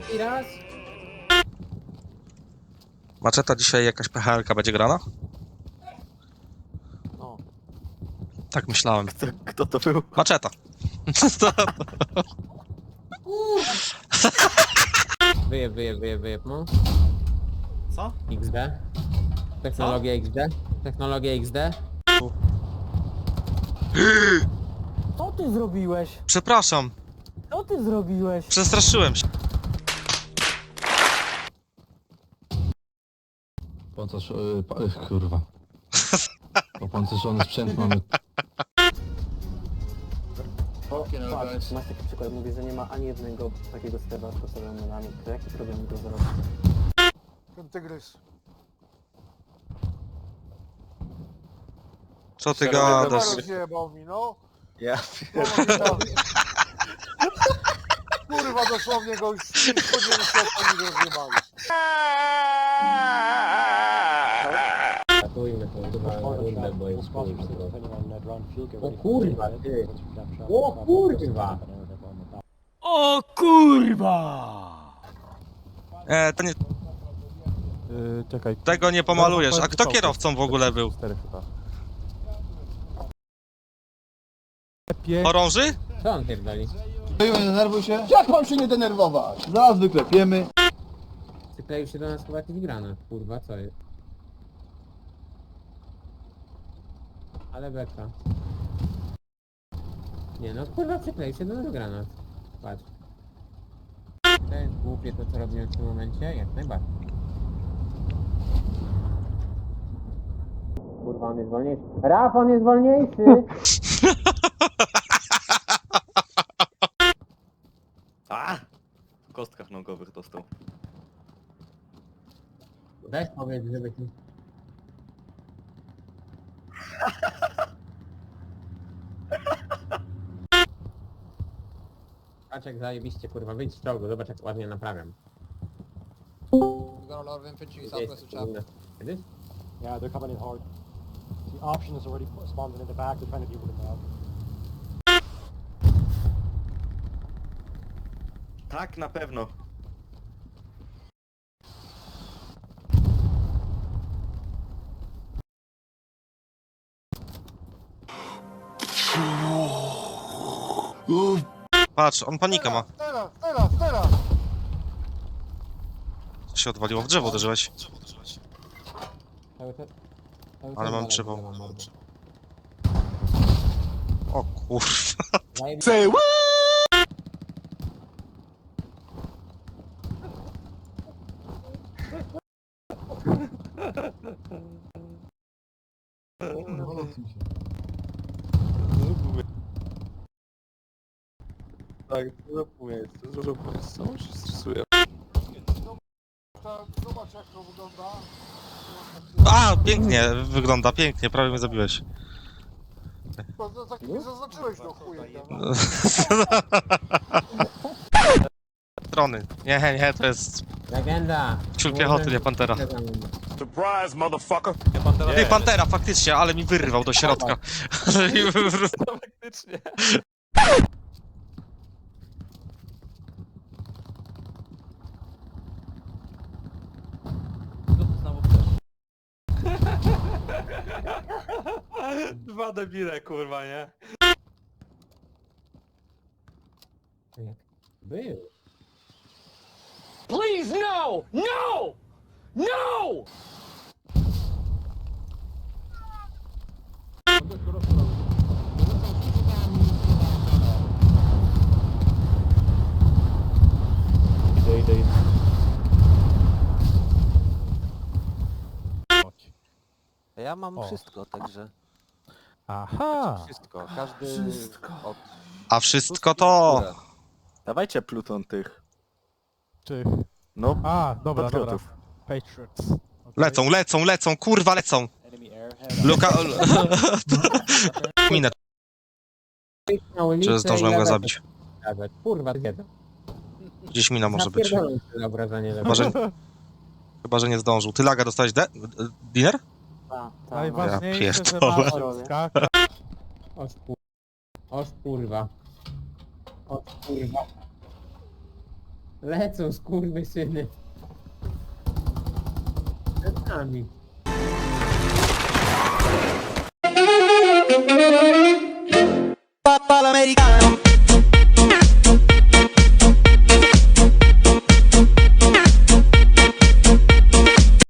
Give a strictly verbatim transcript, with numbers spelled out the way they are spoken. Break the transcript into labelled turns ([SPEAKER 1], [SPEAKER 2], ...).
[SPEAKER 1] I raz.
[SPEAKER 2] Maczeta dzisiaj jakaś P H L-ka będzie grana?
[SPEAKER 3] No.
[SPEAKER 2] Tak myślałem.
[SPEAKER 3] Kto, kto to był?
[SPEAKER 2] Maczeta.
[SPEAKER 1] Wyjeb, wyjeb, wyjeb, wyjeb, no.
[SPEAKER 3] Co?
[SPEAKER 1] X D. Technologia X D. Technologia X D.
[SPEAKER 4] Co ty zrobiłeś?
[SPEAKER 2] Przepraszam,
[SPEAKER 4] Co ty zrobiłeś?
[SPEAKER 2] przestraszyłem się.
[SPEAKER 5] Pancerz... Yy, pa, yy, kurwa. Opancerzony sprzęt mamy.
[SPEAKER 4] Patrz, masz taki przykład, mówisz, że nie ma ani jednego takiego stewa z postawionymi nami. To jaki problem go zarobić?
[SPEAKER 6] Ten tygrys.
[SPEAKER 2] Co ty
[SPEAKER 6] Kamerę
[SPEAKER 2] gadasz?
[SPEAKER 6] zjebał mi, no.
[SPEAKER 3] Ja
[SPEAKER 6] Kurwa, dosłownie go już spodziewałem się, jak oni go zjebali.
[SPEAKER 1] Ratujmy tą kurwa rundę, bo jest kurwa. O kurwa, ty. O kurwa.
[SPEAKER 4] O kurwa!
[SPEAKER 2] E, to nie,
[SPEAKER 7] Yy, czekaj.
[SPEAKER 2] tego nie pomalujesz. A kto kierowcą w ogóle był?
[SPEAKER 7] cztery chyba. Pie...
[SPEAKER 2] Orąży?
[SPEAKER 1] Co on pierdoli?
[SPEAKER 5] Nie denerwuj się. Jak mam się nie denerwować? Zaraz wyklepiemy.
[SPEAKER 1] Przykleił się do nas chyba jakiś granat, kurwa, co jest? Ale beka. Nie no, kurwa, przykleił się do nas granat. Patrz. To jest głupie to, co robimy w tym momencie? Jak najbardziej. Kurwa, on jest wolniejszy. Raf, on jest wolniejszy!
[SPEAKER 3] A! W kostkach nogowych dostał.
[SPEAKER 1] Weź powiedz, żeby ci... Patrz jak zajebiście, kurwa, wyjdź z czołgu, zobacz jak ładnie naprawiam. Kiedyś?
[SPEAKER 7] Yeah, they're coming in hard. The option is already spawned in the back. They're trying to deal with it now.
[SPEAKER 3] Tak, na pewno.
[SPEAKER 2] Patrz, on panikę ma.
[SPEAKER 6] Teraz, teraz, teraz!
[SPEAKER 2] Co się odwaliło? W drzewo uderzyłeś.
[SPEAKER 1] Cały czas... cały
[SPEAKER 2] Ale
[SPEAKER 1] czas
[SPEAKER 2] mam
[SPEAKER 1] dalej
[SPEAKER 2] drzewo.
[SPEAKER 1] mam mordę.
[SPEAKER 2] O kurwa.
[SPEAKER 1] Zajebiście.
[SPEAKER 3] Tak, zrób miejsce, zrób miejsce. Co się stresuje?
[SPEAKER 6] Ta- Zobacz, jak to wygląda.
[SPEAKER 2] A, pięknie wygląda, pięknie, prawie mnie zabiłeś.
[SPEAKER 6] To, to, tak mi zaznaczyłeś do chuja.
[SPEAKER 2] Strony. Nie, nie, to jest
[SPEAKER 1] Legenda!
[SPEAKER 2] ciul piechoty, nie pantera.
[SPEAKER 8] Surprise, motherfucker!
[SPEAKER 3] Nie, Pantera.
[SPEAKER 2] Ty, pantera, faktycznie, ale mi wyrwał do środka. Ale mi wyrwał.
[SPEAKER 3] Faktycznie. Co tu znowu chcesz? Dwa debile, kurwa, nie?
[SPEAKER 1] Był.
[SPEAKER 4] Please no! No! No!
[SPEAKER 7] Idę, idę, idę.
[SPEAKER 3] Ja mam
[SPEAKER 7] O.
[SPEAKER 3] wszystko, także...
[SPEAKER 7] Aha!
[SPEAKER 3] Wszystko, każdy...
[SPEAKER 4] Wszystko.
[SPEAKER 3] Od...
[SPEAKER 2] A wszystko to...
[SPEAKER 3] Dawajcie pluton tych.
[SPEAKER 7] Czy...
[SPEAKER 3] No,
[SPEAKER 7] A, dobra, dobra.
[SPEAKER 3] patriotów.
[SPEAKER 7] Patriots. Okay.
[SPEAKER 2] Lecą, lecą, lecą, kurwa, lecą. Luka... Minę,
[SPEAKER 1] Na ulicę
[SPEAKER 2] że zdążyłem
[SPEAKER 1] i
[SPEAKER 2] go
[SPEAKER 1] lewe
[SPEAKER 2] zabić.
[SPEAKER 1] pokazać. Kurwa, kiedy?
[SPEAKER 2] Gdzieś mina może być.
[SPEAKER 1] Zapierdolę sobie obrażenie.
[SPEAKER 2] Chyba, że... Chyba, że nie zdążył. Ty laga dostałeś de... Dinner?
[SPEAKER 4] Ta, ta,
[SPEAKER 7] Najważniejsze,
[SPEAKER 2] Ja
[SPEAKER 7] że
[SPEAKER 2] pierdolę.
[SPEAKER 7] masz skaka.
[SPEAKER 1] Oż kur... Oż kurwa. Oż kurwa. Lecą skurwysyny. Przed nami.
[SPEAKER 9] Papa l'americano